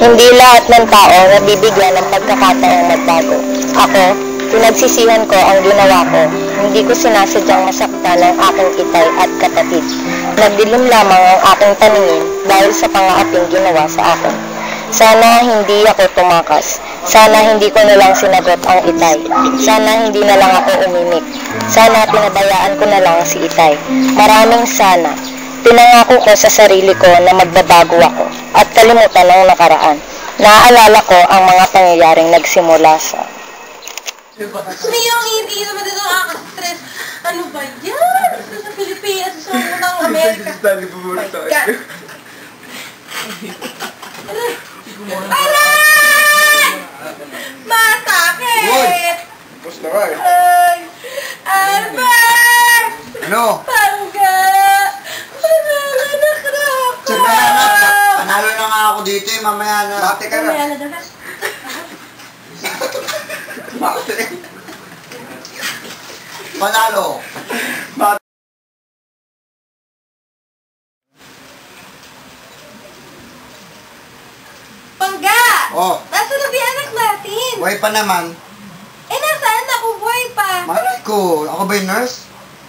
Hindi lahat ng tao nabibigyan ng pagkakataong magbago. Ako, pinagsisihan ko ang ginawa ko. Hindi ko sinasadyang masaktan ang aking itay at kapatid. Nagdilim lamang ang aking paningin dahil sa pangaaping ginawa sa akin. Sana hindi ako tumakas. Sana hindi ko na lang sinagot ang itay. Sana hindi na lang ako umimik. Sana pinabayaan ko na lang si itay. Maraming sana. Pinangako ko sa sarili ko na magbabago ako at kalimutan ang nakaraan. Naaalala ko ang mga pangyayaring nagsimula sa... Miyong hindi naman dito nakaka-stress. Ano ba yan? Sa Pilipinas, sa unang Amerika. My God. Aray! Masakit! Tapos na nga eh. Ay! Albert! Ano? Pangga! Pananganak na ako! Siyempre anak, panalo na nga ako dito eh, mamaya na. Bate ka na. Mamaya na dapat. Bate. Panalo. Pangga! Oh, Nasaan na ba yung anak natin? buhay pa naman. Eh, nasaan ako? Buhay pa. Malay ko, ako ba yung nurse?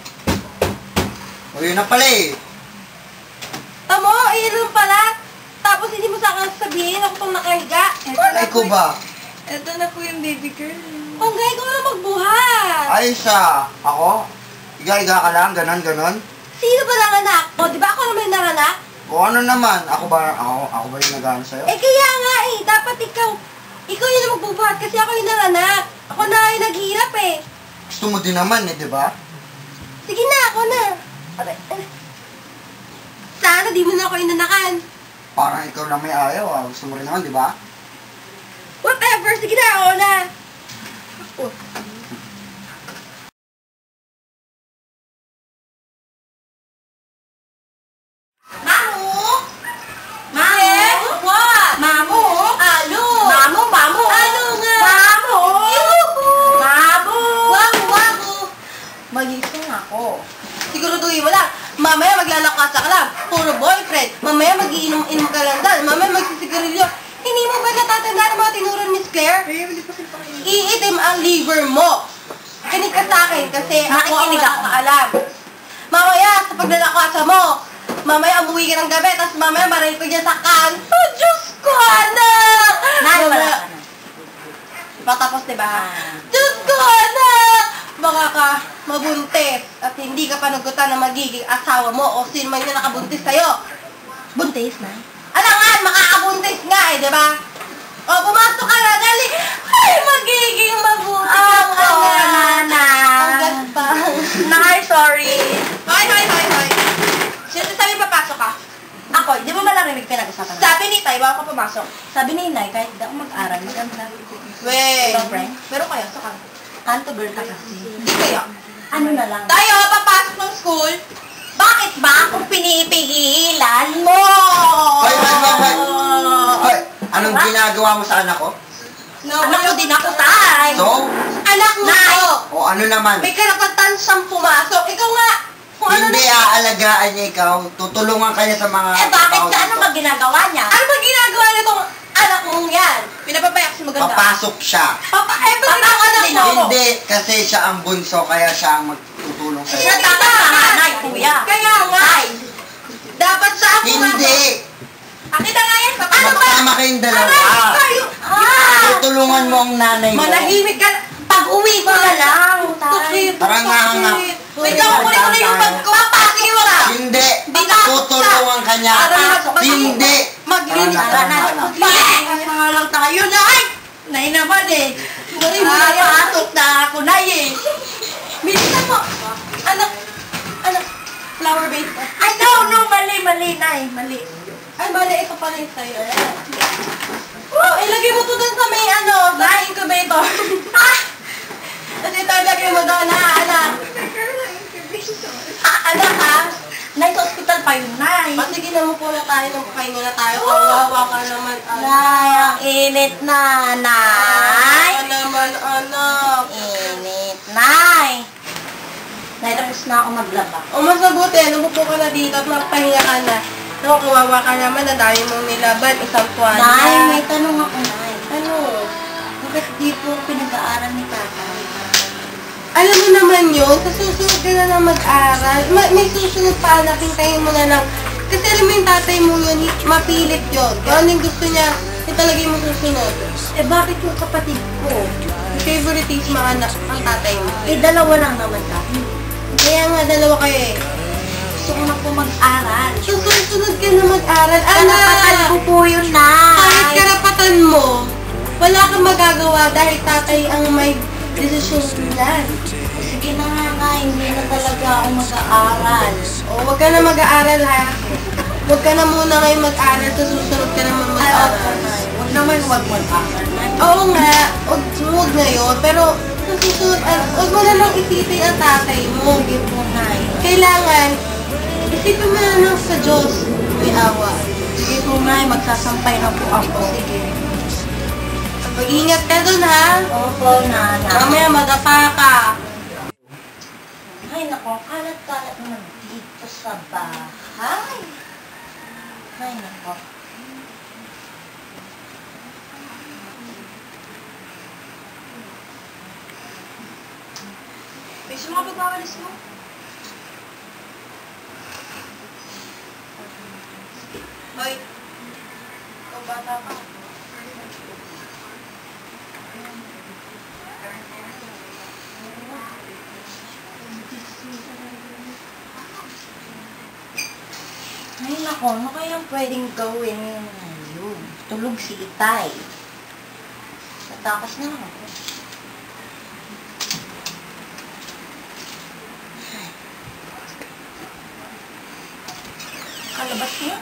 O yun na pala eh. Tamo, iyon pala. Tapos hindi mo sa akin sabihin, ako itong nakahiga. Malay ko ba? Ito na po yung baby girl. Pangga, ikaw na magbuhat. Ay siya, ako? Iga-iga ka lang, ganon. Sino ba nanganak? O, di ba ako naman yung nanganak? O ano naman, ako ba yung nag-ano sa'yo? Eh, kaya nga eh. Dapat ikaw. Ikaw yung magbubuhat kasi ako yung nanganak. Ako na yung naghihirap eh. Gusto mo din naman eh, di ba? Sige na, ako na. Aray. Sana di mo na ako inanakan. Parang ikaw lang may ayaw ah. Gusto mo rin naman, di ba? Whatever, sige na, ako na. Mamu? Mamu? What? Mamu? Ano? Mamu? Ano nga? Mamu? Mamu? Wamu? Magising ako. Siguraduhin mo lang. Mamaya maglalakasa ka lang. Puro boyfriend. Mamaya mag-iinom-inom ka lang dahil. Mamaya magsisigarilyo. Hindi mo ba natatandaan ang mga tinuran, Miss Claire? Iitim ang liver mo. Kinig ka sa akin kasi ako ang nakakaalam. Mamaya sa paglalakasa mo, mamaya umuwi ka ng gabi, tapos mamaya marinig ko dyan sa kanto. Oh, Diyos ko, anak! Wala ka na. Patapos, diba? Diyos ko, anak! Baka ka mabuntis at hindi ka panagutan na magiging asawa mo o sino man yung nakabuntis sa'yo. Buntis na? Ano nga, makakabuntis nga eh, diba? O, pumasok ka na, dali! Ay, magiging mabuti ang anak! Ang gaspang. Nay, sorry. Hoy. Sino sabi papasok ka? Ako, di mo malarinig pinag-usapan? Sabi ni Tay, baka ka pumasok. Sabi ni Inay, kahit di ako mag-aral, mag-aral. Weh! Pero kayo, sa kanto. Kanto girl ka kasi. Hindi kaya. Ano na lang? Tayo, papasok ng school. Bakit ba akong pinipigilan mo? Hoy! Hoy! Anong ginagawa mo sa anak ko? Anak ko din ako, Tay. So? Anak mo ko. O ano naman? May karapatan siyang pumasok. Ikaw nga. Kung ano Hindi aalagaan niya ikaw. Tutulungan ka niya sa mga... Eh bakit tao sa ano dito. ba ginagawa niya? Ano ba ginagawa nitong anak mong yan? Pinapapayak si maganda. Papasok siya. Bakit ang anak mo? Hindi, kasi siya ang bunso, kaya siya ang magtutulong sa iyo. Natatanganay, kuya. Kaya nga. Dapat siya ang pumasok. Hindi! Pakita nga yan. Ano ba? Magkasama kayong dalawa. Tutulungan mo ang nanay mo. Manahimik ka. Pag-uwi ko na lang. Tara nga. Wait lang, kunin ko na yung bag ko. Papasok mo na. Hindi! Tutulungan ka niya. Hindi! Maglinis ka na. Maglinis nga lang tayo na. Ay! Nay naman eh. Pasok na ako, Nay eh. Bilisan mo. Anak. Flower base. Ay, no. Mali, Nay. Mali. Ay, mali. Ito pala yung sa'yo. Ilagay mo to dun sa may sa incubator. Kasi ito, ilagay mo doon, anak. Anak, ha? Nay, sa hospital pa yun, Nay. Sige na mo po na tayo, magpakain na tayo. Kawawa ka naman, anak. Nay, ang init na, Nay. Kawawa naman, anak. Init, Nay. Nay, tapos na ako maglaba. O, mas mabuti. Umupo ka na dito at magpahinga ka na. No, kawawa ka naman, ang dami mong nilaban, isang tuwan. Nay, may tanong ako, Nay. Ano? Bakit di po pinag-aaral ni tatay? Alam mo naman yun, sa susunod ka na lang mag-aral. May susunod pa, anak, hintayin mo na lang. Kasi alam mo yung tatay mo yun, mapilit yun. Kung ano yung gusto niya, yun talaga yung susunod. Eh, bakit yung kapatid ko? Favoritism ang anak, ang tatay mo. Eh, dalawa lang naman kami. Kaya nga, dalawa kayo eh. Gusto ko na po mag-aral. Susunod ka na mag-aral. Karapatan ko po yun, Nay. Kahit karapatan mo, wala kang magagawa dahil tatay ang may desisyon niyan. Sige na nga, Nay. Hindi na talaga ako mag-aaral. O, huwag ka na mag-aaral ha. Huwag ka na muna ngayon mag-aral, sa susunod ka naman Ay, opo, mag-aral. Nay. Huwag naman huwag mag-aaral, Nay. Oo nga, huwag ngayon, pero sa susunod, huwag mo na lang isipin ang tatay mo. Sige po, Nay. Kailangan, isipin mo na lang sa Diyos, may awa. Sige po, Nay. Magsasampay na po ako. Sige. Mag-ingat ka dun ha. Opo, Nana. Mamaya madapa ka. Ay, naku, kalat-kalat naman dito sa bahay. Ay, naku. Bisa mo ka pagpapalis mo? Hoy, ikaw bata ka. Ay, naku, ano kayang pwedeng gawin ngayon? Tulog si Itay. Tatakas na lang ako. Ay. Kalabas niya?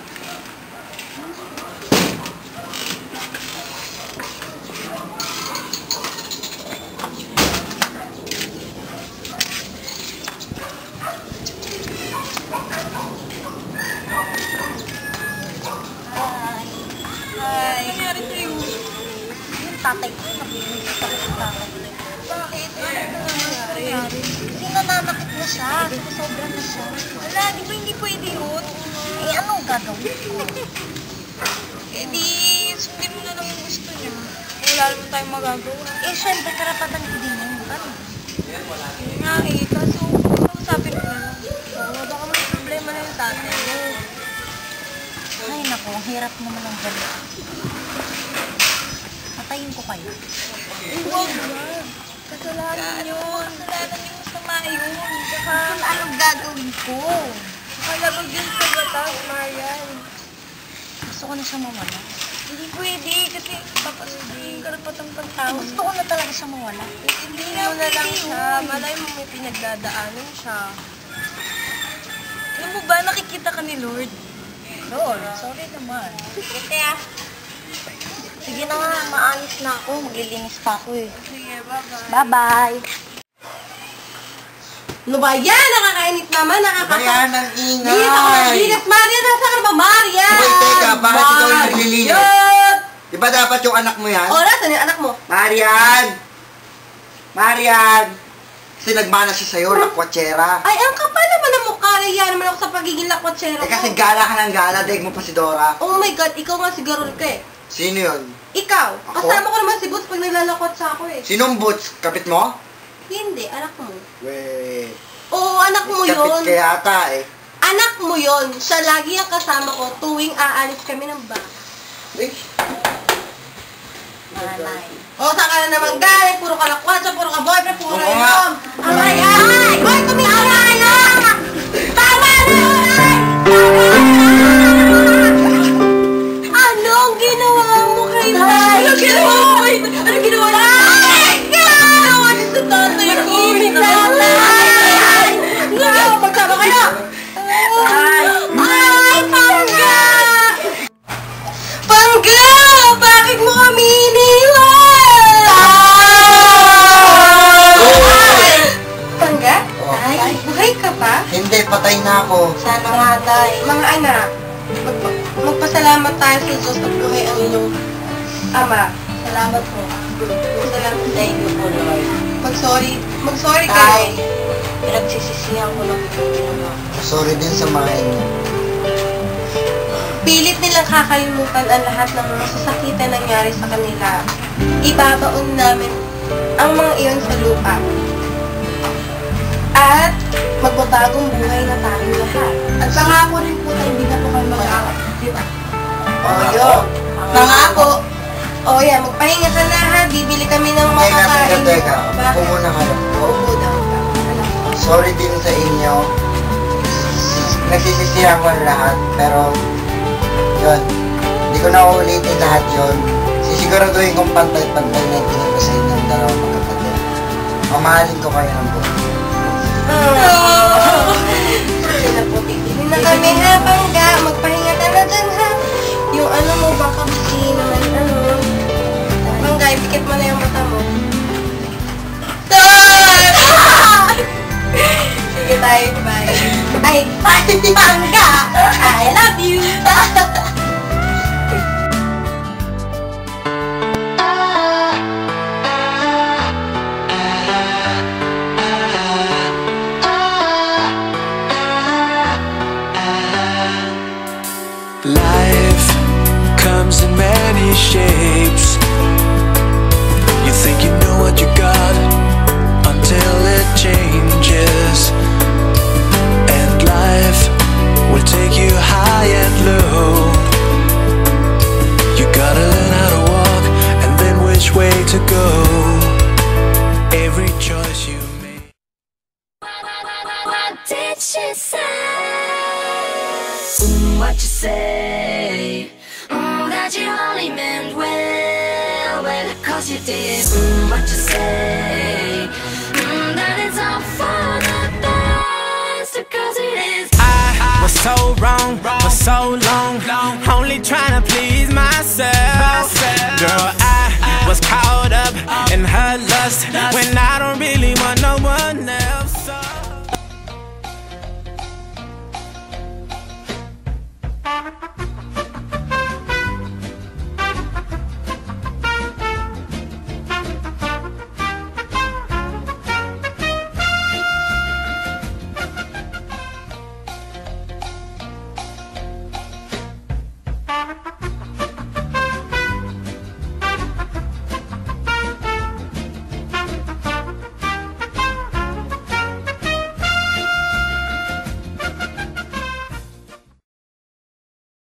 Ay, nangyari sa'yo? Yung tatay ko, nabibinig sa tatay. Bakit? Ano nangyari? Kasi nananakit na siya. Sobra na siya. Wala, di ba hindi pwede yun? Eh, anong gagawin ko? Eh di, sundin mo na lang yung gusto niya. Eh, wala naman tayong magagawa. Eh, syempre, karapatan ko din yun. Ano? Yun nga eh, kaso, kausapin mo na lang. Oo, baka may problema na yung tatay mo. Ay, naku, ang hirap naman ang gano'n. Patayin ko kayo. Huwag na. Kasalanan yun. Kasalanan yung masama yun. Tsaka, Anong gagawin ko? kalabag yun sa batas, Marian. Gusto ko na siya mawala. Hindi pwede kasi papasukin yung karapatang pantao. Gusto ko na talaga siya mawala. Hindi mo na lang siya. Malay mo may pinagdadaanan siya. Alam mo ba, nakikita ka ni Lord? Lord, sorry naman. Kasi ah. Sige na nga, maalis na ako. Maglilinis pa ako eh. Sige, bye-bye. Bye-bye! Ano ba yan? Nakakainit naman, Bayan ng ingay! Dito ka maglinis, Maria! Nasa ka na ba, Maria? Uy, teka, bakit ikaw yung naglilinis? Di ba dapat yung anak mo yan? O, nasan yung anak mo? Marian! Marian! Kasi nagmana siya sa'yo, lakwatsera. Ay, ang kapal naman ang mukha. Yan naman ako sa pagiging lakwatsero Eh kasi ko. gala ka ng gala, daig mo pa si Dora. Oh my God, ikaw nga si Garol ka eh. Sino yun? Ikaw. Ako? Kasama ko naman si Boots pag nilalakwat sa ako eh. Sinong Boots? Kapit mo? Hindi, anak mo. Weh, Oo, anak mo kapit yun. ka yata eh. Anak mo yun. Siya lagi ang kasama ko tuwing aalis kami ng bahay. Eh, Malay. O, saan ka na naman galing? Puro ka lakwatsa, puro ka boyfriend, puro Oo ka nga. inom. Amay, ay! Hoy, tumigil na! Tama na! Anong ginawa mo kay Tay? Anong ginawa mo kay Tay? Anong ginawa mo? Ay! Ginawa niyo sa tatay ko! Ibig na Tay! Magsama kayo! Ay! Pangga! Pangga! Bakit mo kami iniwan? Pangga? Tay, buhay ka pa? hindi, patay na ako. Sana nga, Tay. Mga anak, magpasalamat tayo sa Diyos at buhay ang inyong ama. Salamat po. Salamat. Thank you po, Lord. Mag-sorry Tay, kayo. pinagsisisihan ko lang yung ginawa. Sorry din sa mga inyo. Pilit nilang kakalimutan ang lahat ng mga sasakitan nangyari sa kanila. Ibabaon namin ang mga iyon sa lupa. At magbabagong buhay na tayong lahat. At pangako rin po tayo, hindi na po kayo mag-aawat. Di ba? Yun. Pangako. O yan, magpahinga ka na ha. Bibili kami ng makakain. Teka. Bakit? Upo muna kayo. Oo daw. Sorry din sa inyo. Nagsisisihan ko ang lahat, pero yun, hindi ko na uulitin lahat yun. Sisiguraduhin kong pantay-pantay na tingin ko sa inyong dalawang magkapatid. Mamahalin ko kayo ng buhay. Sige na po, tigilin na kami ha, Pangga. Magpahinga ka na dyan ha. Yung ano mo, baka busi naman, ano. Pangga, ipikit mo na yung mata mo. Sige tayo, bye. Ay, Pangga! I love you! Life comes in many shapes. You think you know what you got until it changes. And life will take you high and low. You gotta learn how to walk and then which way to go. Every choice you make. What did she say? What you say? That you only meant well, cause you did. What you say? That it's all for the best, cause it is. I was so wrong for so long, only trying to please myself. Girl, I was caught up in her lust when I don't really want no one.